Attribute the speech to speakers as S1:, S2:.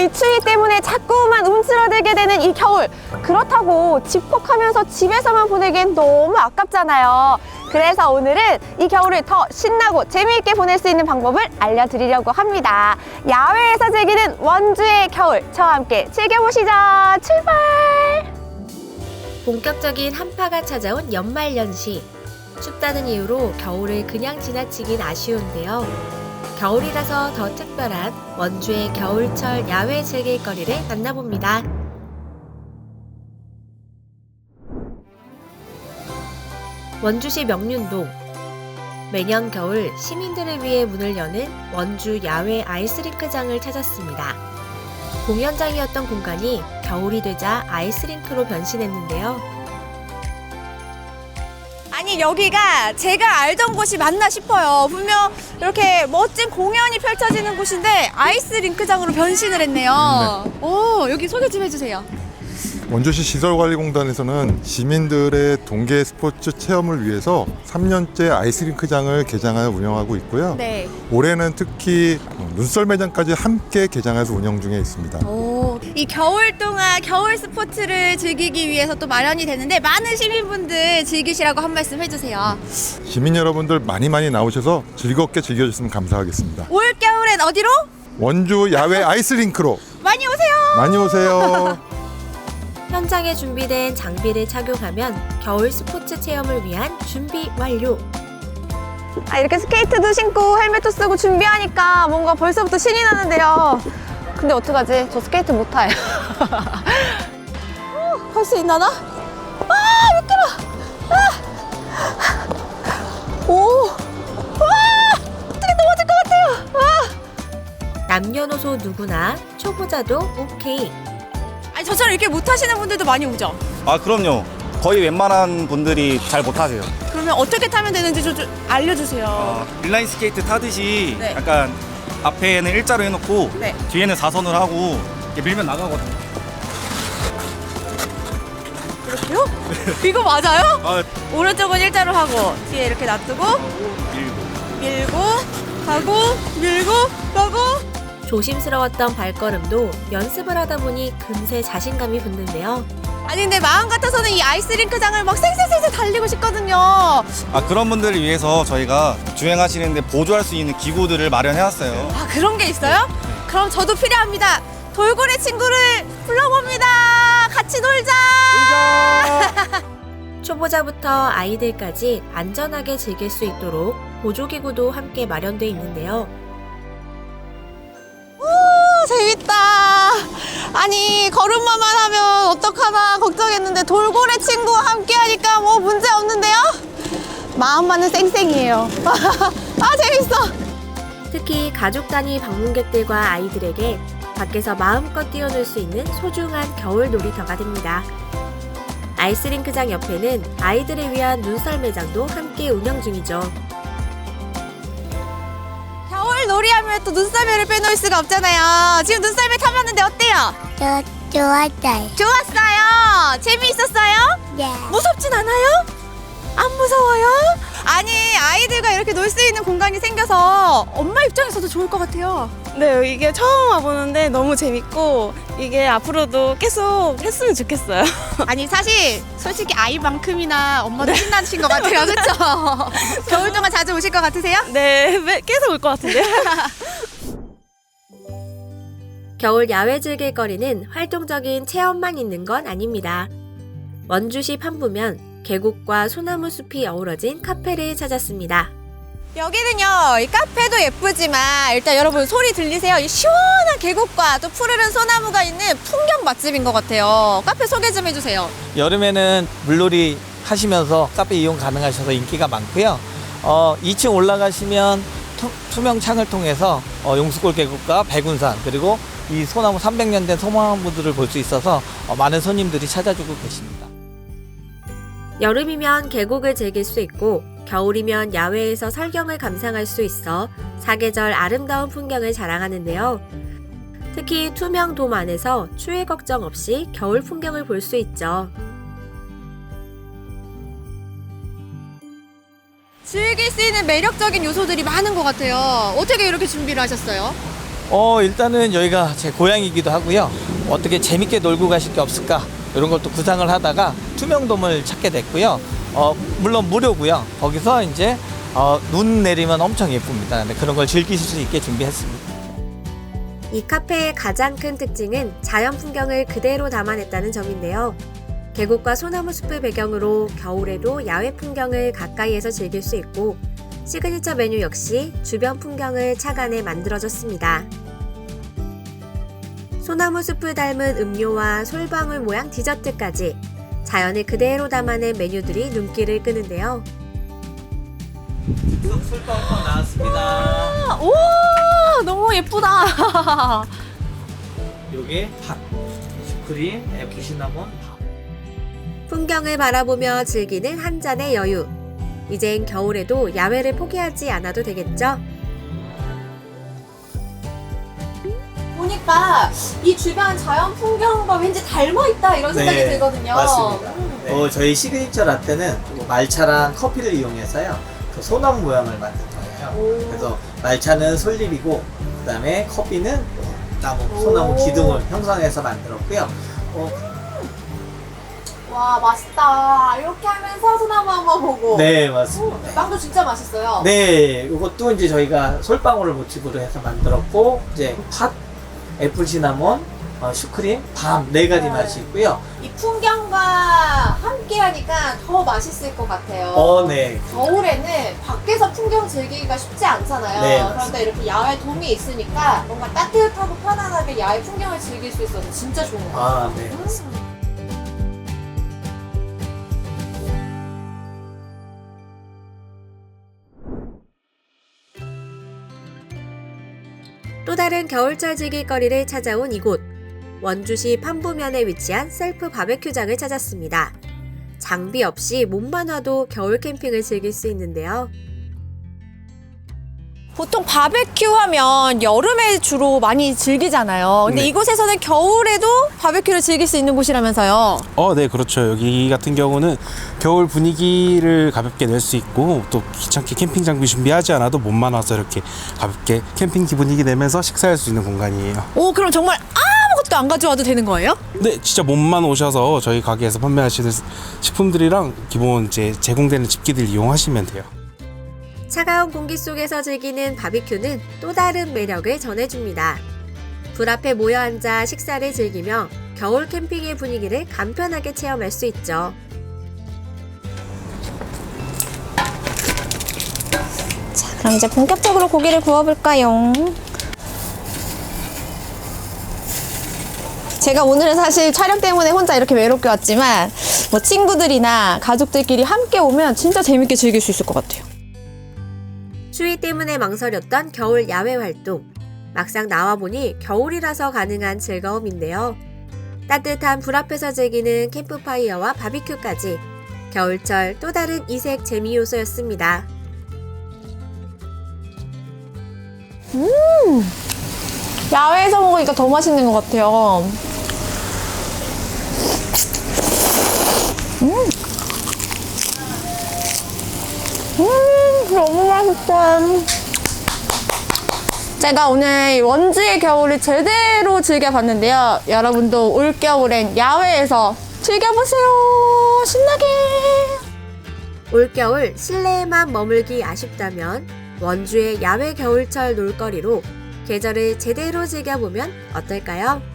S1: 이 추위 때문에 자꾸만 움츠러들게 되는 이 겨울. 그렇다고 집콕하면서 집에서만 보내기엔 너무 아깝잖아요. 그래서 오늘은 이 겨울을 더 신나고 재미있게 보낼 수 있는 방법을 알려드리려고 합니다. 야외에서 즐기는 원주의 겨울, 저와 함께 즐겨보시죠. 출발!
S2: 본격적인 한파가 찾아온 연말연시. 춥다는 이유로 겨울을 그냥 지나치긴 아쉬운데요. 겨울이라서 더 특별한 원주의 겨울철 야외 즐길거리를 만나봅니다. 원주시 명륜동. 매년 겨울 시민들을 위해 문을 여는 원주 야외 아이스링크장을 찾았습니다. 공연장이었던 공간이 겨울이 되자 아이스링크로 변신했는데요.
S1: 아니, 여기가 제가 알던 곳이 맞나 싶어요. 분명 이렇게 멋진 공연이 펼쳐지는 곳인데 아이스링크장으로 변신을 했네요. 오, 여기 소개 좀 해주세요.
S3: 원주시 시설관리공단에서는 시민들의 동계 스포츠 체험을 위해서 3년째 아이스링크장을 개장하여 운영하고 있고요.
S1: 네.
S3: 올해는 특히 눈썰매장까지 함께 개장해서 운영 중에 있습니다.
S1: 오, 이 겨울 동안 겨울 스포츠를 즐기기 위해서 또 마련이 되는데 많은 시민분들 즐기시라고 한 말씀 해주세요.
S3: 시민 여러분들 많이 나오셔서 즐겁게 즐겨주시면 감사하겠습니다.
S1: 올 겨울엔 어디로?
S3: 원주 야외 아이스링크로
S1: 많이 오세요.
S3: 많이 오세요.
S2: 현장에 준비된 장비를 착용하면 겨울 스포츠 체험을 위한 준비 완료.
S1: 아, 이렇게 스케이트도 신고 헬멧도 쓰고 준비하니까 뭔가 벌써부터 신이 나는데요. 근데 어떡하지? 저 스케이트 못 타요. 할 수 있나나? 아, 미끄러. 오, 와, 어떻게 넘어질 것 같아요. 와.
S2: 남녀노소 누구나 초보자도 오케이.
S1: 아니, 저처럼 이렇게 못 하시는 분들도 많이 오죠?
S4: 아, 그럼요. 거의 웬만한 분들이 잘 못하세요.
S1: 그러면 어떻게 타면 되는지 좀 알려주세요.
S4: 인라인 스케이트 타듯이
S1: 네.
S4: 약간 앞에는 일자로 해놓고
S1: 네.
S4: 뒤에는 4선을 하고 이렇게 밀면 나가거든요.
S1: 이렇게요? 이거 맞아요?
S4: 아,
S1: 오른쪽은 일자로 하고 뒤에 이렇게 놔두고
S4: 밀고.
S1: 밀고 가고 밀고 가고.
S2: 조심스러웠던 발걸음도 연습을 하다 보니 금세 자신감이 붙는데요.
S1: 아니, 근데 마음 같아서는 이 아이스링크장을 막 쌩쌩쌩쌩 달리고 싶거든요.
S4: 아, 그런 분들을 위해서 저희가 주행하시는데 보조할 수 있는 기구들을 마련해놨어요.
S1: 아, 그런 게 있어요? 그럼 저도 필요합니다. 돌고래 친구를 불러봅니다. 같이 놀자.
S2: 초보자부터 아이들까지 안전하게 즐길 수 있도록 보조기구도 함께 마련돼 있는데요.
S1: 재밌다. 아니, 걸음마만 하면 어떡하나 걱정했는데 돌고래 친구와 함께 하니까 뭐 문제 없는데요? 마음만은 쌩쌩이에요. 아, 재밌어.
S2: 특히 가족 단위 방문객들과 아이들에게 밖에서 마음껏 뛰어놀 수 있는 소중한 겨울 놀이터가 됩니다. 아이스링크장 옆에는 아이들을 위한 눈썰매장도 함께 운영 중이죠.
S1: 겨울 놀이하면 또 눈썰매를 빼놓을 수가 없잖아요. 지금 눈썰매 타봤는데 어때요?
S5: 좋았어요.
S1: 좋았어요. 재미있었어요?
S5: 네.
S1: 무섭진 않아요? 안 무서워요? 아니, 아이들과 이렇게 놀 수 있는 공간이 생겨서 엄마 입장에서도 좋을 것 같아요.
S6: 네, 이게 처음 와보는데 너무 재밌고 이게 앞으로도 계속 했으면 좋겠어요.
S1: 아니, 사실 솔직히 아이만큼이나 엄마도 신나신 것 같아요. 그렇죠? 겨울 동안 자주 오실 것 같으세요?
S6: 네, 계속 올 것 같은데.
S2: 겨울 야외 즐길거리는 활동적인 체험만 있는 건 아닙니다. 원주시 판부면 계곡과 소나무 숲이 어우러진 카페를 찾았습니다.
S1: 여기는요, 이 카페도 예쁘지만 일단 여러분 소리 들리세요? 이 시원한 계곡과 또 푸르른 소나무가 있는 풍경 맛집인 것 같아요. 카페 소개 좀 해주세요.
S7: 여름에는 물놀이 하시면서 카페 이용 가능하셔서 인기가 많고요. 2층 올라가시면 투명 창을 통해서 용수골 계곡과 백운산 그리고 이 소나무 300년 된 소나무들을 볼 수 있어서 많은 손님들이 찾아주고 계십니다.
S2: 여름이면 계곡을 즐길 수 있고 겨울이면 야외에서 설경을 감상할 수 있어 사계절 아름다운 풍경을 자랑하는데요. 특히 투명 돔 안에서 추위 걱정 없이 겨울 풍경을 볼 수 있죠.
S1: 즐길 수 있는 매력적인 요소들이 많은 것 같아요. 어떻게 이렇게 준비를 하셨어요?
S7: 일단은 여기가 제 고향이기도 하고요. 어떻게 재밌게 놀고 가실 게 없을까? 이런 것도 구상을 하다가 투명돔을 찾게 됐고요. 물론 무료고요. 거기서 이제 눈 내리면 엄청 예쁩니다. 네, 그런 걸 즐기실 수 있게 준비했습니다.
S2: 이 카페의 가장 큰 특징은 자연 풍경을 그대로 담아냈다는 점인데요. 계곡과 소나무 숲을 배경으로 겨울에도 야외 풍경을 가까이에서 즐길 수 있고 시그니처 메뉴 역시 주변 풍경을 착안해 만들어졌습니다. 소나무 숲을 닮은 음료와 솔방울 모양 디저트까지 자연을 그대로 담아낸 메뉴들이 눈길을 끄는데요.
S7: 솔방울 나왔습니다.
S1: 우와, 너무 예쁘다.
S7: 요게 밥, 슈크림, 애플 시나몬, 밥.
S2: 풍경을 바라보며 즐기는 한 잔의 여유. 이젠 겨울에도 야외를 포기하지 않아도 되겠죠?
S1: 보니까 이 주변 자연 풍경과 왠지 닮아있다 이런 생각이 들거든요.
S7: 맞습니다. 네. 저희 시그니처 라떼는 말차랑 커피를 이용해서요. 그 소나무 모양을 만든 거예요. 그래서 말차는 솔잎이고 그다음에 커피는 소나무 기둥을 형성해서 만들었고요.
S1: 와, 맛있다. 이렇게 하면서 소나무 한번 보고.
S7: 네, 맞습니다.
S1: 빵도 진짜 맛있어요.
S7: 네, 이것도 이제 저희가 솔방울을 모티브로 해서 만들었고 이제 팥, 애플 시나몬, 슈크림, 밤 네 가지 맛이 있고요.
S1: 이 풍경과 함께 하니까 더 맛있을 것 같아요.
S7: 네.
S1: 겨울에는 밖에서 풍경 즐기기가 쉽지 않잖아요.
S7: 네,
S1: 그런데
S7: 맞습니다.
S1: 이렇게 야외 돔이 있으니까 뭔가 따뜻하고 편안하게 야외 풍경을 즐길 수 있어서 진짜 좋은 것 같아요.
S7: 네.
S2: 또 다른 겨울철 즐길거리를 찾아온 이곳. 원주시 판부면에 위치한 셀프 바베큐장을 찾았습니다. 장비 없이 몸만 와도 겨울 캠핑을 즐길 수 있는데요.
S1: 보통 바베큐 하면 여름에 주로 많이 즐기잖아요. 근데
S8: 네.
S1: 이곳에서는 겨울에도 바베큐를 즐길 수 있는 곳이라면서요.
S8: 네, 그렇죠. 여기 같은 경우는 겨울 분위기를 가볍게 낼 수 있고 또 귀찮게 캠핑 장비 준비하지 않아도 몸만 와서 이렇게 가볍게 캠핑 분위기 내면서 식사할 수 있는 공간이에요.
S1: 오, 그럼 정말 아무것도 안 가져와도 되는 거예요?
S8: 네, 진짜 몸만 오셔서 저희 가게에서 판매하시는 식품들이랑 기본 이제 제공되는 집기들 이용하시면 돼요.
S2: 차가운 공기 속에서 즐기는 바비큐는 또 다른 매력을 전해줍니다. 불 앞에 모여 앉아 식사를 즐기며 겨울 캠핑의 분위기를 간편하게 체험할 수 있죠.
S1: 자, 그럼 이제 본격적으로 고기를 구워볼까요? 제가 오늘은 사실 촬영 때문에 혼자 이렇게 외롭게 왔지만 뭐 친구들이나 가족들끼리 함께 오면 진짜 재밌게 즐길 수 있을 것 같아요.
S2: 추위 때문에 망설였던 겨울 야외 활동. 막상 나와보니 겨울이라서 가능한 즐거움인데요. 따뜻한 불 앞에서 즐기는 캠프파이어와 바비큐까지 겨울철 또 다른 이색 재미 요소였습니다.
S1: 야외에서 먹으니까 더 맛있는 것 같아요. 너무 맛있다. 제가 오늘 원주의 겨울을 제대로 즐겨봤는데요. 여러분도 올겨울엔 야외에서 즐겨보세요. 신나게.
S2: 올겨울 실내에만 머물기 아쉽다면 원주의 야외 겨울철 놀거리로 계절을 제대로 즐겨보면 어떨까요?